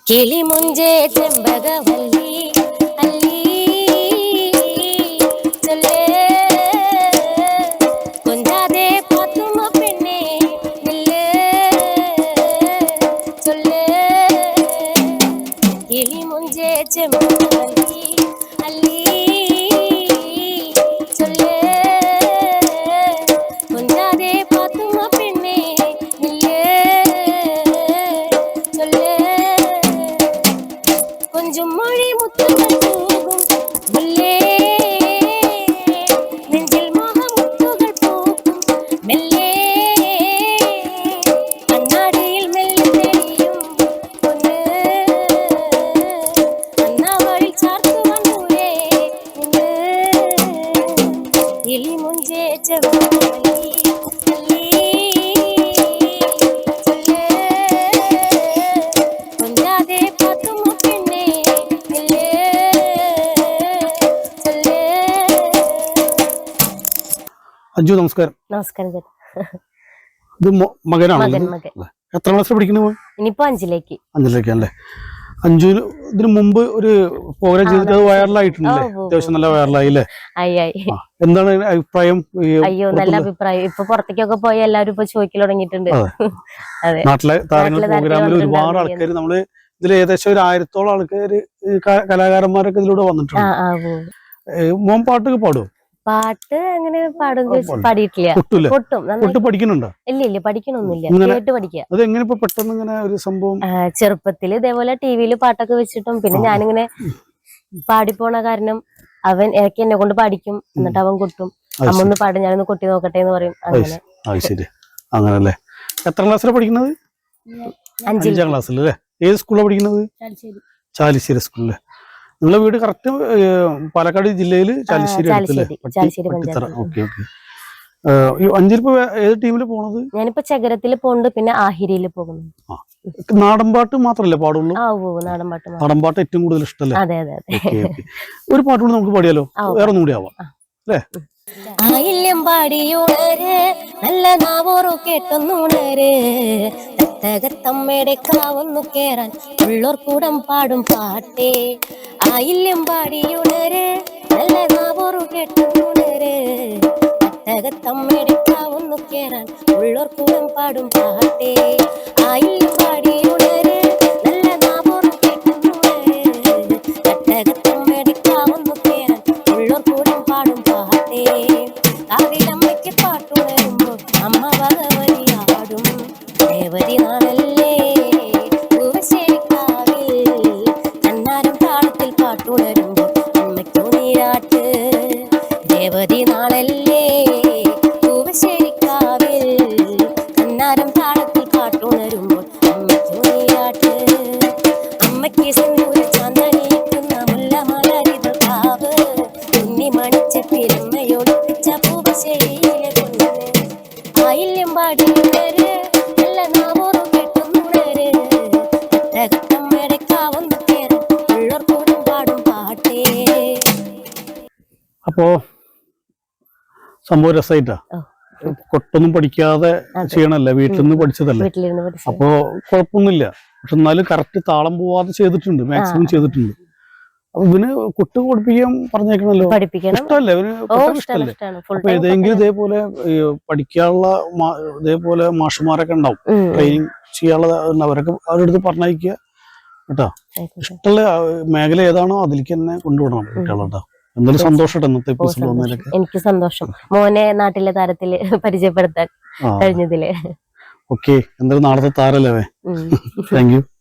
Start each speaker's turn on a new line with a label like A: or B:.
A: കിളി മുഞ്ചേ ചെമ്പകവല്ലി അല്ലി ചൊല്ലേ കൊഞ്ചാതെ പാത്തുമ്മ പെണ്ണെ നില്ലേ ചൊല്ലേ കിളി മുഞ്ചേ ചെമ്പകവല്ലി അല്ലി ചൊല്ലേ കൊഞ്ചാതെ പാത്തുമ്മ പെണ്ണെ നില്ലേ ചൊല്ലേ கொஞ்சம் மொழி முத்துகள் போகும் முல்லே நெஞ்சில் மோக முத்துகள் போகும் மெல்லே கண்ணாடியில் மெல்ல தெரியும் பொண்ணு அண்ணா வழி சார்த்து வந்தூரே நின்று இளி முஞ்சே செவ்வல்லி அல்லி சொல்லே கொஞ்சாதே பாத்தும் பெண்ணே நில்லே சொல்லே.
B: അഞ്ജു നമസ്കാരം.
A: നമസ്കാരം ചേട്ടാ.
B: ഇത് മകനാണ്.
A: മകൻ
B: എത്ര ക്ലാസ്സിൽ പഠിക്കുന്നു?
A: ഇനിയിപ്പോ അഞ്ചിലേക്കാണല്ലേ.
B: അഞ്ജുവിന് ഇതിനു മുമ്പ് ഒരു പ്രോഗ്രാം ചെയ്തിട്ട് അത് വൈറലായിട്ടുണ്ടല്ലേ? അത്യാവശ്യം നല്ല വൈറലായി അല്ലേ? എന്താണ് അഭിപ്രായം?
A: അയ്യോ നല്ല അഭിപ്രായം. ഇപ്പൊ പുറത്തേക്കൊക്കെ പോയി എല്ലാവരും ഇപ്പൊ ചോദിക്കൽ തുടങ്ങിയിട്ടുണ്ട്.
B: നാട്ടിലെ താരങ്ങൾ പ്രോഗ്രാമിൽ ഒരുപാട് ആൾക്കാർ നമ്മള് ഇതിൽ ഏകദേശം ഒരു 1000-ഓളം ആൾക്കാര് കലാകാരന്മാരൊക്കെ ഇതിലൂടെ വന്നിട്ടുണ്ട്. മോൻ പാട്ടൊക്കെ പാടും?
A: പാട്ട് അങ്ങനെ പാടിയിട്ടില്ല.
B: കൊട്ട് പഠിക്കുന്നുണ്ടോ?
A: ഇല്ല പഠിക്കണൊന്നുമില്ല. കേട്ട് പഠിക്കുക.
B: അത് എങ്ങനെ പെട്ടെന്ന് ഇങ്ങനെ ഒരു സംഭവം?
A: ചെറുപ്പത്തില് ഇതേപോലെ ടിവിയിൽ പാട്ടൊക്കെ വെച്ചിട്ടും പിന്നെ ഞാനിങ്ങനെ പാടിപ്പോണ കാരണം അവൻ ഇടയ്ക്ക് എന്നെ കൊണ്ട് പാടിക്കും. എന്നിട്ട് അവൻ കൊട്ടും. അമ്മ ഒന്ന് പാടും, ഞാനൊന്ന് കൊട്ടി നോക്കട്ടെ എന്ന് പറയും. അങ്ങനെ.
B: ശരി, അങ്ങനല്ലേ. എത്ര ക്ലാസ്സിലാണ് പഠിക്കുന്നത്? 5ാം ക്ലാസ്സിലല്ലേ. ഏത് സ്കൂളിലാണ് പഠിക്കുന്നത്? ചാലിശ്ശേരി സ്കൂളില്. നിങ്ങളെ വീട് കറക്റ്റ് പാലക്കാട് ജില്ലയില് ചാലിശ്ശേരി. അഞ്ചിലിപ്പോ ഏത് ടീമില് പോണത്?
A: ഞാനിപ്പോ ചകരത്തില് പോകുന്നുണ്ട്, പിന്നെ ആഹിരിയില് പോകുന്നു.
B: നാടൻപാട്ട് മാത്രല്ലേ പാടുള്ളൂ? നാടൻപാട്ട് ഏറ്റവും കൂടുതൽ ഇഷ്ടല്ലേ?
A: അതെ.
B: ഒരു പാട്ട് കൂടി നമുക്ക് പാടിയാലോ? വേറെ ഒന്നും കൂടി ആവാം അല്ലേ?
A: ആയില്യം പാടിയുണര് നല്ല നാവോറു കേട്ടൊന്നുണര് തത്തകത്തമ്മയുടെ കാവൊന്നു കേറാൻ ഉള്ളോർ കൂടം പാടും പാട്ടേ. ആയില്യം പാടിയുണര് നല്ല നാവോറു കേട്ടൊന്നുണര് തത്തകത്തമ്മയുടെ കാവൊന്നു കേറാൻ ഉള്ളോർ കൂടം പാടും പാട്ടേ. ആയില്യം പാടിയുണര് നല്ല നാവോറു കേട്ടൊന്നുണര് തത്തകത്തമ്മയുടെ കാവൊന്നു കേറാൻ ഉള്ളോർ കൂടം പാടും പാട്ടേ. കാവിലമ്മയ്ക്ക് പാട്ടുണരുമ്പോൾ അമ്മ ഭഗവതിയാടും ദേവതി നാളല്ലേ പൂവശ്ശേരിക്കാവിൽ കണ്ണാരം താളത്തിൽ പാട്ടുണരുമ്പോൾ അമ്മയ്ക്കു നീരാട്ട്. ദേവതി നാളല്ലേ പൂവശ്ശേരിക്കാവിൽ കണ്ണാരം താളത്തിൽ പാട്ടുണരുമ്പോൾ അമ്മയ്ക്കു നീരാട്ട്. അമ്മയ്ക്ക് സിന്ദൂര ചാന്തണിയിക്കുന്ന മുല്ല മലരിതൾ കാവ് കുഞ്ഞി മണിച്ചപ്പിരമ്മയൊളിപ്പിച്ച പൂവശ്ശേരിയിലെ പൊന്ന്. ആയില്യം പാടിയുണര് നല്ല നാവോറു കേട്ടൊന്നുണര് തത്തകത്തമ്മയുടെ കാവൊന്നു കേറാൻ ഉള്ളോർ കൂടം പാടും പാട്ടേ.
B: അപ്പോ സംഭവം രസമായിട്ടാ. കൊട്ടൊന്നും പഠിക്കാതെ ചെയ്യണല്ലേ, വീട്ടിൽ നിന്ന് പഠിച്ചതല്ലേ. അപ്പോ കുഴപ്പമൊന്നുമില്ല. പക്ഷെ എന്നാലും കറക്റ്റ് താളം പോവാതെ ചെയ്തിട്ടുണ്ട്, മാക്സിമം ചെയ്തിട്ടുണ്ട്. അപ്പൊ ഇവന് കൊട്ട് പഠിപ്പിക്കാൻ പറഞ്ഞേക്കണല്ലോ. ഇഷ്ടമല്ലേ ഇവന്? ഇഷ്ടമല്ലേ? അപ്പൊ ഏതെങ്കിലും ഇതേപോലെ പഠിക്കാനുള്ള ഇതേപോലെ മാഷുമാരൊക്കെ ഉണ്ടാവും, ട്രെയിനിങ് ചെയ്യാനുള്ള. അവരൊക്കെ അവരുടെ അടുത്ത് പറഞ്ഞയക്കുക കേട്ടോ. ഇഷ്ടമുള്ള മേഖല ഏതാണോ അതിലേക്ക് തന്നെ കൊണ്ടുവിടണം കുട്ടികളോട്ടോ. എന്തായാലും സന്തോഷം ഇന്നത്തെ എപ്പിസോഡ് വന്നതിലൊക്കെ.
A: എനിക്ക് സന്തോഷം മോനെ നാട്ടിലെ താരത്തില് പരിചയപ്പെടുത്താൻ കഴിഞ്ഞതില്.
B: ഓക്കെ, എന്തായാലും നാളത്തെ താരല്ലേ. Thank you.